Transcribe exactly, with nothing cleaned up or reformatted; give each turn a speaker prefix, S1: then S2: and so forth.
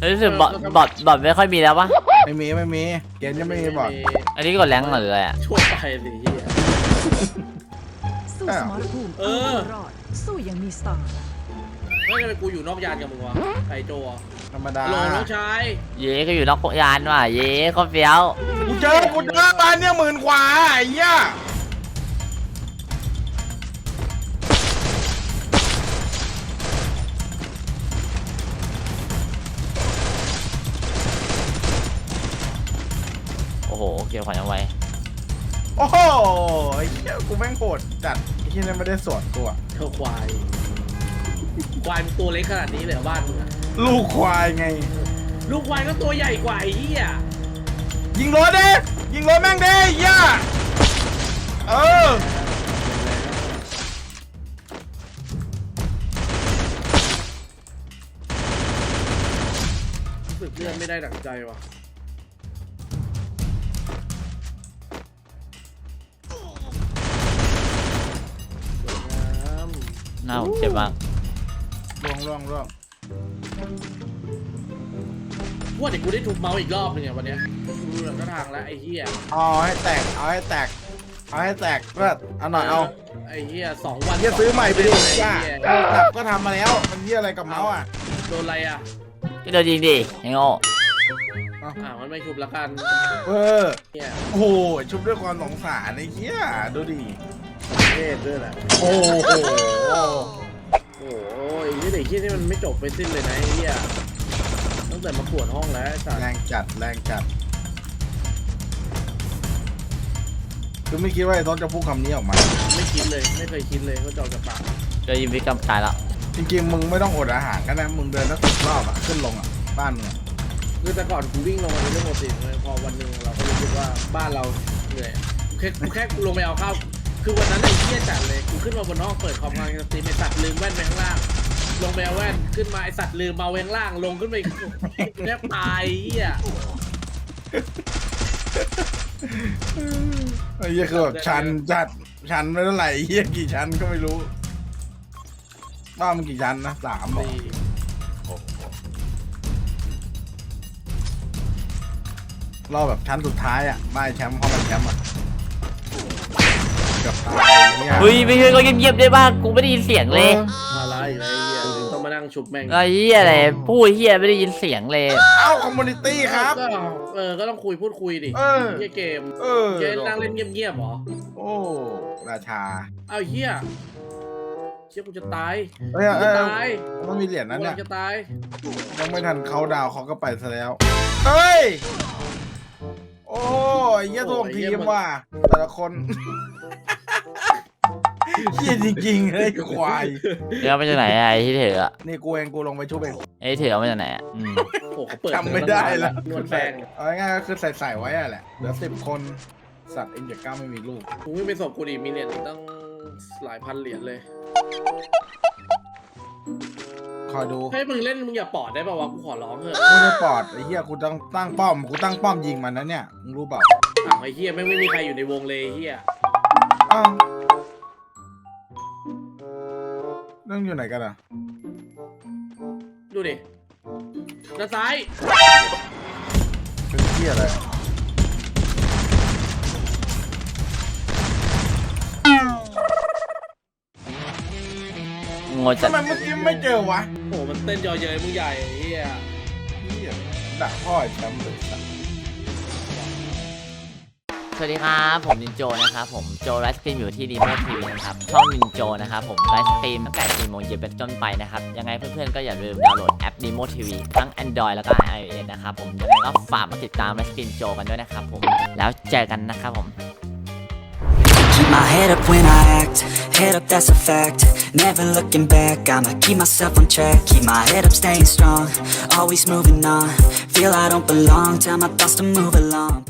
S1: รู้สึกบอทบอทบอทไม่ค่อยมีแล้วปะ
S2: ไม่มีไม่มีเกมจะไม่มีบอท
S1: อันนี้กดแรงหรืออะไรอ่ะ
S3: ช่วยไปสิเฮีย
S4: สู้สมรภูมิเออรอดสู้ยังมีสไตล์
S3: ไม่ใช่ไปกูอยู่นอกยานกับมึงวะไก่โจ
S2: ธรรมดา
S3: โหลน้องชาย
S1: เย้ก็อยู่นอกยานว่ะเย้ก็เฟี้ยว
S2: กูเจอกูเจอบ้านเนี่ยหมื่นกว่าไอ้เหี้ย
S1: โอ้โหเกี่ยวขวัญเอาไว้
S2: โอ้โหไอ้เหี้ยกูแม่งโหดจัดไอ้ที่นั่นไม่ได้สวนกูอะ
S3: เท่าควายควายตัวเล็กขนาดนี้เลยบ้านมึง
S2: ลูกควายไง
S3: ลูกควายก็ตัวใหญ่กว่าไอ้เหี้ย
S2: ยิงรถเด้ยิงรถแม่งเด้เหี้ยเออ
S3: รู้สึกเลื่อนไม่ได้ดั่งใจว่ะ
S1: น่าผมเจ็บมาก
S2: ล่วงล่วงล่วง
S3: ว่าเดี๋ยวกูได้ทุบเมาส์อีกรอบนึงเนี่ยวันนี้ดูหลังทางแล้วไอ้เหี้ย
S2: เอาให้แตกเอาให้แตกเอาให้แตกเพื่อเอาหน่อยเอา
S3: ไอ้เหี้ยสองวัน
S2: เหี้ยซื้อใหม่ไปดิย่าหลับก็ทำมาแล้วมันเหี้ยอะไรกับเมาส์อ่ะ
S3: โดนอะไรอ่ะ
S1: ก็โดนยิงดิไอ้โง่
S3: อ่ามันไม่ชุบละกัน
S2: เออโอ้โหชุบด้วยความสงสารไอ้เหี้ยดูดิ
S3: เท่ด้วยแหละ
S2: โอ้โห
S3: โอ้ยนี่เด็กที่นี่มันไม่จบไปสิ้นเลยนะไอ้เหี้ยตั้งแต่มาปวดห้องแล้ว
S2: แรงจัดแรงจัดคือไม่คิดว่าไอ้ต้นจะพูดคำนี้ออกมา
S3: ไม่คิดเลยไม่เคยคิดเลยว่าจะออกจากปาก
S1: จะยิงพิกรรมตายแล้ว
S2: จริงๆมึงไม่ต้องอดอาหารกันนะมึงเดินสักสิบรอบอ่ะขึ้นลงอ่ะบ้านมึง
S3: คือแต่ก่อนกูวิ่งลงมาเป็นเรื่องปกติเลยพอวันหนึ่งเราก็รู้สึกว่าบ้านเราเหนื่อยแค่แค่กูลงไปเอาข้าวคือวันนั้นไอ้เหี้ยจัดเลยกูขึ้นมาบนห้องเปิดคอมงานสตรีมไอ้สัตว์ลืมแว่นไปข้างล่างลงไปเอาแว่นขึ้นมาไอ้สัตว์ลืมมาแว่นล่างลงขึ้นไปแทบตายเหี้ย
S2: ไอ้เหี้ยคือแบบชันจัดชันไม่เท่าไหร่เหี้ยกี่ชั้นก็ไม่รู้บ้านมันกี่ชั้นนะสามหรอรอแบบชั้นสุดท้ายอ่ะไม่แชมป์เข้ามาแชมป์อ่ะ
S1: เฮ้ยไม่ใช่ก็เงียบๆได้บ้างกูไม่ได้ยินเสียงเลย
S3: อะไรอะไรเหี้ยต้องมานั่งชุบแม่ง
S1: ไอ้เหี้ยอะไรพูดเหี้ยไม่ได้ยินเสียงเลย
S2: เอ้าคอมมูนิตี้ครับ
S3: เออก็ต้องคุยพูดคุยดิเหี้ยเกมเกมนั่งเล่นเงียบๆหรอ
S2: โอ้ราชา
S3: เอ้าเหี้ยเชี่ยกูจะตาย
S2: เฮ้ยจะตายต้องมีเหรียญนั้นเนี่ย
S3: จะตาย
S2: ยังไม่ทันเขาดาวเขาก็ไปซะแล้วเฮ้ยโอ้ยเยี่ยทวงทีมว่ะแต่ละคนเยี่ยจริงๆเลยควาย
S1: เดี๋ยวมาจากไหนไอ้ที่เถือะ
S2: นี่กูเองกูลงไปชุบเอง
S1: ไอ้เถือมาจากไหนอ่ะ
S2: จำไม่ได้แล้วนวลแปงเอาง่ายๆก็คือใส่ๆไว้อะแหละเหลือสิบคนสัตว์เอ็นเจ็ดเก้าไม่มีลูก
S3: กูไม่ไปสอบกูดิมีเหรียญตั้งหลายพันเหรียญเลย
S2: คอยดู
S3: ให้มึงเล่นมึงอย่าปอดได้ป่าววะกูขอร้องเถอะ
S2: กูไม่ปอดไอ้เหี้ยกูตั้งตั้งป้อมกูตั้งป้อมยิงมันนะเนี่ยมึงรู้เปล่า
S3: ไอ้เหี้ยไม่ไม่มีใครอยู่ในวงเลยเหี้ย
S2: อ้าวเรื่องอยู่ไหนกันอ่ะ
S3: ดูดิด้านซ้าย
S2: เป็นเหี้ยอะไร
S1: งงจัด
S2: ทำไมเมื่อกี้ไม่เจอวะ
S3: โอ้มันเต้นยอเย้ยมึงใหญ่เฮีย
S2: เฮียด่าพ่อแชมป์เลยสัส
S1: สวัสดีครับผมนินโจนะครับผมโจไลฟ์สตรีมอยู่ที่ดีโมทีวีนะครับช่องนินโจนะครับผมไลฟ์สตรีมตั้งแต่สี่โมงเย็นเป็นต้นไปนะครับยังไงเพื่อนๆก็อย่าลืมดาวน์โหลดแอปดีโมทีวีทั้ง Android แล้วก็ iOS นะครับผมยังไงก็ฝากมาติดตามไลฟ์สตรีมโจกันด้วยนะครับผมแล้วเจอกันนะครับผม
S5: Keep my head up when I act, head up that's a fact. Never looking back, I'ma keep myself on track. Keep my head up staying strong, always moving on. Feel I don't belong, tell my thoughts to move along.